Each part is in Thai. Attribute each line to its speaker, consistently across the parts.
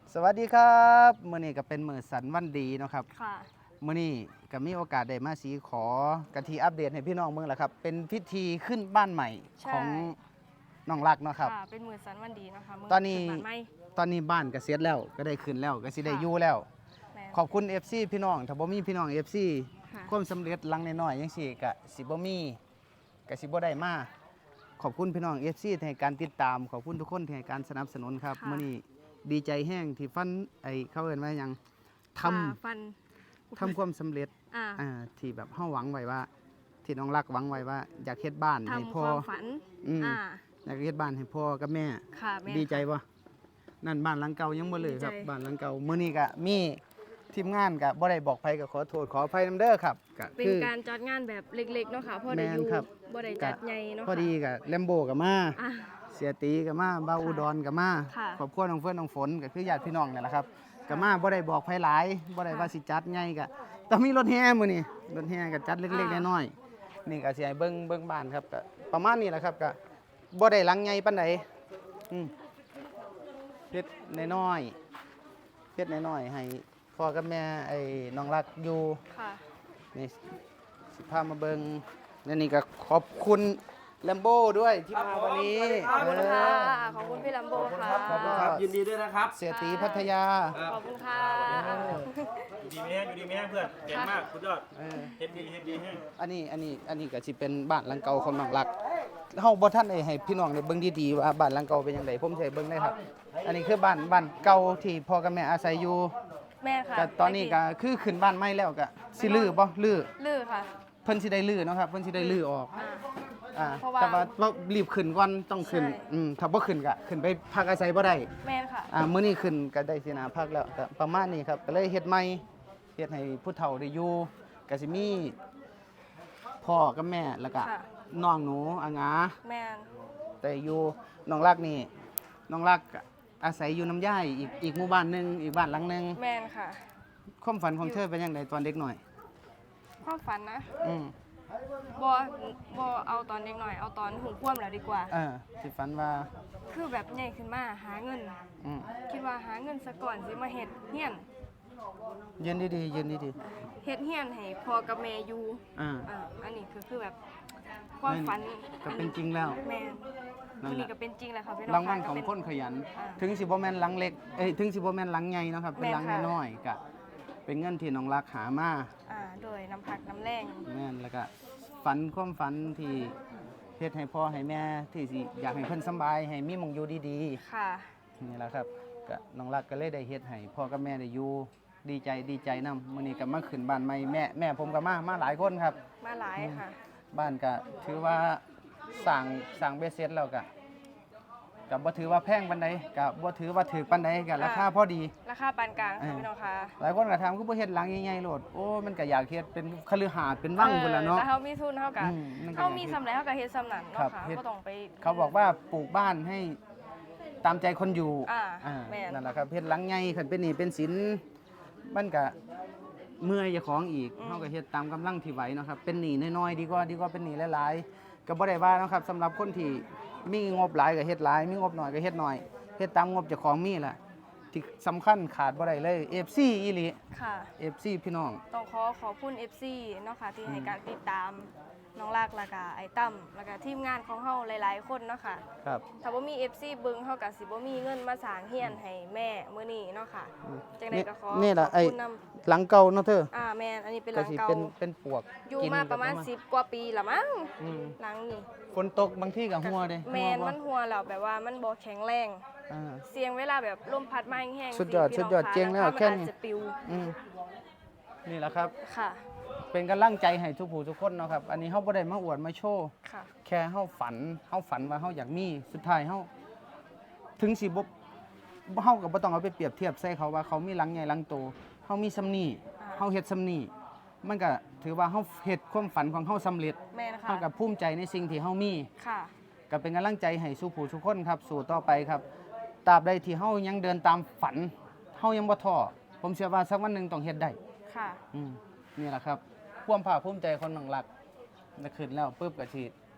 Speaker 1: สวัสดีครับมื้อนี้ก็เป็นมื้อสันวันดีเนาะครับ
Speaker 2: ค่ะ
Speaker 1: มื้อนี้ก็มีโอกาสได้มาสีขอกะทีอัปเดตให้พี่น้องเมืองแหละครับเป็นพิธีขึ้นบ้านใหม่
Speaker 2: ใช่
Speaker 1: ของน้องรักเนาะครับ
Speaker 2: ค่ะเป็นมือสันวันดีนะคะมื
Speaker 1: ตอนนี้
Speaker 2: ขึ้บ้าใหม่
Speaker 1: ตอนนี้บ้านก็เสร็จแล้วก็ได้ขึ้นแล้วก็สิได้
Speaker 2: ค่ะ
Speaker 1: อยู่แล้ว
Speaker 2: แม่น
Speaker 1: ขอบคุณ FC พี่น้องถ้าบ่มีพี่น้อง FC
Speaker 2: ค่ะ
Speaker 1: ความสำเร็จหลังน้อยๆจังซี่ก็สิบ่มีก็สิบ่ได้มาขอบคุณพี่น้อง FC ที่ให้การติดตามขอบคุณทุกคนที่ให้การสนับสนุนครับมื้อนี้ดีใจแห้งที่ฟันเขาเอิ้นว่าหยังทำ
Speaker 2: ค่ะฟัน
Speaker 1: ทำความสำเร็จ
Speaker 2: อ่า
Speaker 1: ที่แบบเฮาหวังไว้ว่า ที่น้องรักหวังไว้ว่าอยากเฮ็ดบ้านให้
Speaker 2: ทำค
Speaker 1: พ่อ
Speaker 2: วามฝัน
Speaker 1: อืม
Speaker 2: อ่า
Speaker 1: อยากเฮ็ดบ้านให้พ่อกับแม่
Speaker 2: ค่ะแม่
Speaker 1: ดีใจบ่นั่นบ้านหลังเก่ายังบ่เลยครับ
Speaker 2: ดีใจ
Speaker 1: บ้านหลังเก่ามื้อนี้ก็มีทีมงานก็บ่ได้บอกไผก็ขอโทษขออภัยนำเด้อครับก็
Speaker 2: เป็น
Speaker 1: คือ
Speaker 2: การจัดงานแบบเล็กๆเนาะค่ะพ่อได้
Speaker 1: แม่น
Speaker 2: อยู่
Speaker 1: ครับ
Speaker 2: บ่ได้จัดใหญ่เนาะ
Speaker 1: พอดีก็แลมโบก็มา
Speaker 2: อ่ะ
Speaker 1: เสียตีก็มาบ้าว
Speaker 2: ค่ะ
Speaker 1: อุดรก็มา
Speaker 2: ค่ะ
Speaker 1: ครอบครัวน้องเฟื่อนน้องฝนก็คือญาติพี่น้องนี่แหละครับก็มาบ่ได้บอกไผหลายบ่ได้ว่าสิจัดใหญ่ก็ต้องมีรถแห่มื้อนี้รถแห่ก็จัดเล็กๆน้อยๆนี่ก็สิให้เบิ่งบ้านครับก็ประมาณนี้แหละครับก็บ่ได้หลังใหญ่ปานใดอืมเฮ็ดน้อยๆเฮ็ดน้อยๆให้พ่อกับแม่ไอ้น้องรักอยู่
Speaker 2: ค่ะ
Speaker 1: นี่สิพามาเบิ่งและนี่ก็ขอบคุณแลมโบด้วยที่มาวันนี้
Speaker 2: ขอบคุณค่ะ
Speaker 1: เออ
Speaker 2: ขอบคุณพี่ลัมโบค่ะ
Speaker 1: ขอบคุณครับ
Speaker 3: ยินดีด้วยนะครับ
Speaker 1: เสียตีพัทยา
Speaker 2: ขอบคุณค่ะ
Speaker 3: อยู่ดีไม่แห้งอยู่ดีไม่แห้งเพื่อนเก่งมากคุณยอด
Speaker 1: เออ
Speaker 3: เฮ็ดดีแห้ง
Speaker 1: อันนี้ก็สิเป็นบ้านหลังเก่าของน้องรักเฮาบ่ทันได้ให้พี่น้องได้เบิ่งดีๆว่าบ้านหลังเก่าเป็นจังไดผมสิให้เบิ่งได้ครับ อันนี้คือบ้านเก่าที่พ่อกับแม่อาศัยอยู่
Speaker 2: แม่ค่ะ
Speaker 1: ก็ตอนนี้ก็คือขึ้นบ้านใหม่แล้วก็สิลื้อบ่ลื้อ
Speaker 2: ลือค่ะ
Speaker 1: เพิ่นสิได้ลื้อเนาะครับเพิ่นสิได้ลื้อออก
Speaker 2: อ่า
Speaker 1: อ่า
Speaker 2: เพราะว่า
Speaker 1: แต่ว่าเรารีบขึ้นก่อนต้องขึ้น
Speaker 2: ใช่
Speaker 1: ถ้าบ่ขึ้นก็ขึ้นไปพักอาศัยบ่ได้
Speaker 2: แม่ค่ะ
Speaker 1: มื้อนี้ขึ้นก็ได้สินาพักแล้วก็ประมาณนี้ครับก็เลยเฮ็ดใหม่เฮ็ดให้ผู้เฒ่าได้อยู่ก็สิมีพ่อกับแม่แล้วก็
Speaker 2: ค่ะ
Speaker 1: น้องหนูอางา
Speaker 2: แม่น
Speaker 1: แต่อยู่น้องรักนี่น้องรักก็อาศัยอยู่น้ำย่ายอีกหมู่บ้านหนึงอีกบ้านหลังหนึง
Speaker 2: แม่นค่ะ
Speaker 1: ความฝันของเธอเป็นจังไดตอนเด็กหน่อย
Speaker 2: ความฝันนะ
Speaker 1: อืม
Speaker 2: บ่เอาตอนเด็กหน่อยเอาตอนหูคว่ำแล้วดีกว่า
Speaker 1: สิฝันว่า
Speaker 2: คือแบบใหญ่ขึ้นมาหาเงิน
Speaker 1: อืม
Speaker 2: คิดว่าหาเงินซะก่อนสิมาเฮ็ดเฮียน
Speaker 1: ยืนดีๆยืนดี
Speaker 2: เฮ็ดเฮียนให้พ่อกับแม่อยู่
Speaker 1: ๆอ่า
Speaker 2: อันนี้คือแบบความฝัน
Speaker 1: ก็เป็นจริงแล้ว
Speaker 2: แม่น
Speaker 1: นั่
Speaker 2: อั
Speaker 1: น
Speaker 2: น
Speaker 1: แห
Speaker 2: นี้
Speaker 1: ละ
Speaker 2: ก็เป็นจริงแหละค่ะพี่น้อง
Speaker 1: รางวัล
Speaker 2: ค่ะ
Speaker 1: ของ
Speaker 2: ก็เป็
Speaker 1: คนขยัน
Speaker 2: อ่า
Speaker 1: ถึงสิบ่แม่นหลังเล็กถึงสิบ่แม่นหลังใหญ่เนาะครับ เป็นหลัง
Speaker 2: แม่นค่ะ
Speaker 1: น้อยๆก็เป็นเงินที่น้องรักหามา
Speaker 2: โดยน้ำพักน้ำแรง
Speaker 1: แม่นแล้วก็ฝันความฝันที่เฮ็ดให้พ่อให้แม่ที่สิอยากให้เพิ่นสำบายให้มีหมองอยู่ดี
Speaker 2: ค่ะ
Speaker 1: ๆนี่แหละครับก็น้องรักก็เลยได้เฮ็ดให้พ่อกับแม่ได้อยู่ดีใจนํมื้อนี้ก็มาขึ้นบ้านใหม่แม่ผมก็มาหลายคนครับ
Speaker 2: มาหลายค่ะ
Speaker 1: บ้านก็ถือว่าสั่งเบ็ดเสร็จแล้วก็บ่ถือว่าแพงปานใดก็บ่ถือว่าถูกปานใดก็ราคาพอดี
Speaker 2: ราคาปานกลางค่ะพี่น้องค่ะ
Speaker 1: หลายคนก็ถามคือบ่เฮ็ดหลังใหญ่ๆโลดโอ้มันก็อยากเฮ็ดเป็นคฤหาสน์เป็นวังพุ่นล่ะเนาะ
Speaker 2: แต่เฮามีทุนเฮาก็
Speaker 1: อืมมันก็
Speaker 2: เฮามีสำไรเฮาก็เฮ็ดสำนั้น
Speaker 1: ครั
Speaker 2: เนาะ
Speaker 1: บ
Speaker 2: ค่ะ
Speaker 1: เฮ็ด
Speaker 2: บ่ต้องไป
Speaker 1: เขาบอกว่าปลูกบ้านให้ตามใจคนอยู่
Speaker 2: แม่น
Speaker 1: นั่นแหละครับเฮ็ดหลังใหญ่คันเป็นหนี้เป็นสินมันก็เมื่อยเจ้าของอีกเฮาก็เฮ็ดตามกำลังที่ไหวเนาะครับเป็นหนี้น้อยๆดีกว่าเป็นหนี้หลายๆก็บ่ได้ว่าเนาะครับสำหรับคนที่มีงบหลายก็เฮ็ดหลายมีงบน้อยก็เฮ็ดน้อยเฮ็ดตามงบเจ้าของมีแหละที่สำคัญขาดบ่ได้เลย FC อีหลี
Speaker 2: ค่ะ
Speaker 1: FC พี่น้อง
Speaker 2: ต้องขอบคุณ FC เนาะค่ะที่ให้การติดตามน้องลากแล้วก็ไอ้ตั้มแล้วก็ทีมงานของเฮาหลายๆคนเนาะค่ะ
Speaker 1: ครับ
Speaker 2: ถ้าบ่มี FC เบิ่งเฮาก็สิบ่มีเงินมาสร้างเฮียนให้แม่มื้อนี้เนาะค่ะจังได๋ก็ขอ
Speaker 1: นี่ล่ะ
Speaker 2: ขอบ
Speaker 1: ไอ้
Speaker 2: คุณนำ
Speaker 1: หลังเก่าเนาะเธอ
Speaker 2: แม่นอันนี้เป็นห
Speaker 1: ก็
Speaker 2: ลัง
Speaker 1: สิ
Speaker 2: เก่า
Speaker 1: เป็นปวก
Speaker 2: อยู่
Speaker 1: กิน
Speaker 2: มาประมาณ
Speaker 1: ก็
Speaker 2: 10 กว่าปีละมั้ง
Speaker 1: อืม
Speaker 2: หลังนี้
Speaker 1: ฝนตกบางที่ก็หัวเด้
Speaker 2: แม่น
Speaker 1: หัวบ่
Speaker 2: มันหัวแล้วแบบว่ามันบ่แข็งแรง
Speaker 1: อ่า
Speaker 2: เสียงเวลาแบบลมพัดมาแห้งๆ
Speaker 1: สุดยอด
Speaker 2: พี่น้
Speaker 1: สุดยอด
Speaker 2: ค่ะ
Speaker 1: เจ๋งแล้ว
Speaker 2: หงคา
Speaker 1: แค่
Speaker 2: มัน
Speaker 1: นี้
Speaker 2: อาจจะปิว
Speaker 1: อืมนี่แหละครับ
Speaker 2: ค่ะ
Speaker 1: เป็นกำลังใจให้ทุกผู้ทุกคนเนาะครับ อันนี้เฮาบ่ได้มาอวดมาโชว์
Speaker 2: ค่ะ
Speaker 1: แค่เฮาฝันว่าเฮาอยากมีสุดท้ายเฮาถึงสิบ่เฮาก็บ่ต้องเอาไปเปรียบเทียบใส่เขาว่าเขามีหลังใหญ่หลังโตเฮามีซำนี้เฮาเฮ็ดซำนี้มันก็ถือว่าเฮาเฮ็ดความฝันของเฮาสำเร็จ
Speaker 2: แม่นะคะ
Speaker 1: เฮาก็ภูมิใจในสิ่งที่เฮามี
Speaker 2: ค่ะ
Speaker 1: ก็เป็นกำลังใจให้สู่ผู้ทุกคนครับ สู่ต่อไปครับตราบใดที่เฮายังเดินตามฝันเฮายังบ่ท้อผมเชื่อว่าสักวันหนึงต้องเฮ็ดได้
Speaker 2: ค่ะ
Speaker 1: นี่แหละครับความภาคภูมิใจคนหนังหลักนะขึ้นแล้วปุ๊บก็สิ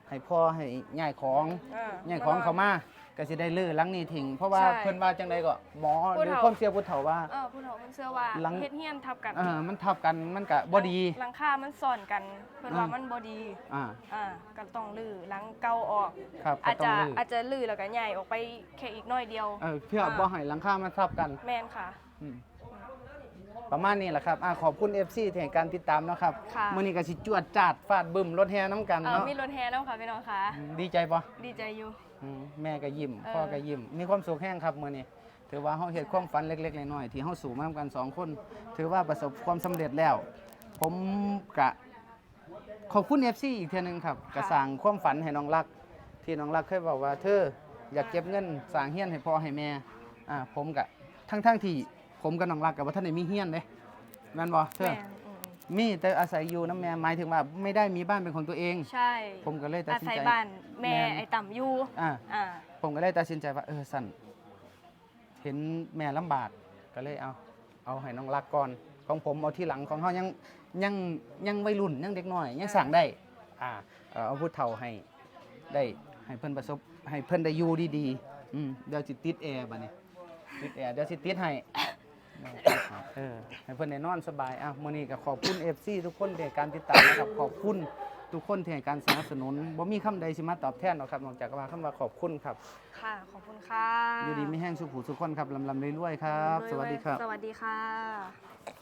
Speaker 1: ให้พ่อให้ย้ายของ
Speaker 2: อ่า
Speaker 1: ย้ายของเข้ามาก็สิได้ลื้อหลังนี้ทิ้งเพราะว่า
Speaker 2: ใช่
Speaker 1: เพิ่นว่าจังไดก็หมอ
Speaker 2: ผู้
Speaker 1: หรือ
Speaker 2: เฒ่า
Speaker 1: ความเชื่อผู้เฒ่าว่า
Speaker 2: ผู้เฒ่าเพิ่นเชื่อว่า
Speaker 1: หลัง
Speaker 2: เฮ็ดเฮียนทับกัน
Speaker 1: มันทับกันมันก็บ่ดี
Speaker 2: หลังคามันซ่อนกันเพิ่นว่ามันบ่ดี
Speaker 1: อ่า
Speaker 2: ก็ต้องลื้อหลังเก่าออก
Speaker 1: ครับก็
Speaker 2: อาจ
Speaker 1: ต้อ
Speaker 2: จะ
Speaker 1: งลื้อ
Speaker 2: อาจจะลื้อแล้วก็ย้ายออกไปแค่อีกหน้อยเดียว
Speaker 1: เพื่อบ่ให้หลังคามันทับกัน
Speaker 2: แม่นค่ะ
Speaker 1: อืมประมาณนี้แหละครับขอบคุณ FC ที่ให้การติดตามเนาะครับ
Speaker 2: ค่ะ
Speaker 1: มื้อนี้ก็สิจวดจาดฟาดบึ้มรถแห่น้ำกันเนาะ
Speaker 2: มีรถแห่แล้วค่ะพี่น้องค่ะ
Speaker 1: ดีใจบ่
Speaker 2: ดีใจอยู่
Speaker 1: แม่ก็ยิ้ม
Speaker 2: เออ
Speaker 1: พ่อก็ยิ้มมีความสุขแห้งครับมื้อนี้ถือว่าเฮาเฮ็ดความฝันเล็กๆน้อยๆที่เฮาสู่มากันสองคนถือว่าประสบความสำเร็จแล้ว ผมก็ขอบคุณ FC อีกเทื่อนึงครับก็สร้างความฝันให้น้องรัก ที่น้องรักเคยบอกว่าเธออยากเก็บเงินสร้างเฮียนให้พ่อให้แม่ผมก็ทั้งที่ผมกับน้องรักก็บ่ทันได้มีเฮียนเด้แม่นบ่เธอ
Speaker 2: แม่น
Speaker 1: มีแต่อาศัยอยู่น้ำแม่หมายถึงว่าไม่ได้มีบ้านเป็นของตัวเอง
Speaker 2: ใช่
Speaker 1: ผมก็เลยตัด
Speaker 2: อา
Speaker 1: สิน
Speaker 2: ศัย
Speaker 1: ใจ
Speaker 2: บ้านแม่
Speaker 1: แม่น
Speaker 2: ไอ้ต่ำอยู่
Speaker 1: อ่า
Speaker 2: อ่า
Speaker 1: ผมก็เลยตัดสินใจว่าสั่นเห็นแม่ลำบากก็เลยเอาให้น้องรักก่อนของผมเอาที่หลังของเขายังวัยรุ่นยังเด็กน้อยยังสั่งได้เอาผู้เฒ่าให้ได้ให้เพิ่นประสบให้เพิ่นได้อยู่ดีๆเดี๋ยวสิติดแอร์บัดนี้ติดแอร์เดี๋ยวสิติดให้ให้เพิ่นได้นอนสบายมื้อนี้ก็ขอบคุณ FC ทุกคนที่ให้การติดตามนะครับขอบคุณทุกคนที่ให้การสนับสนุนบ่มีคำใดสิมาตอบแทนหรอกครับนอกจากว่าคำว่าขอบคุณครับ
Speaker 2: ค่ะ ขอบคุณค่ะ
Speaker 1: อยู่ดีไม่แห้งสุขหูสุขคนครับลำรวยๆครับ สวัสดีครับ
Speaker 2: สวัสดีค่ะ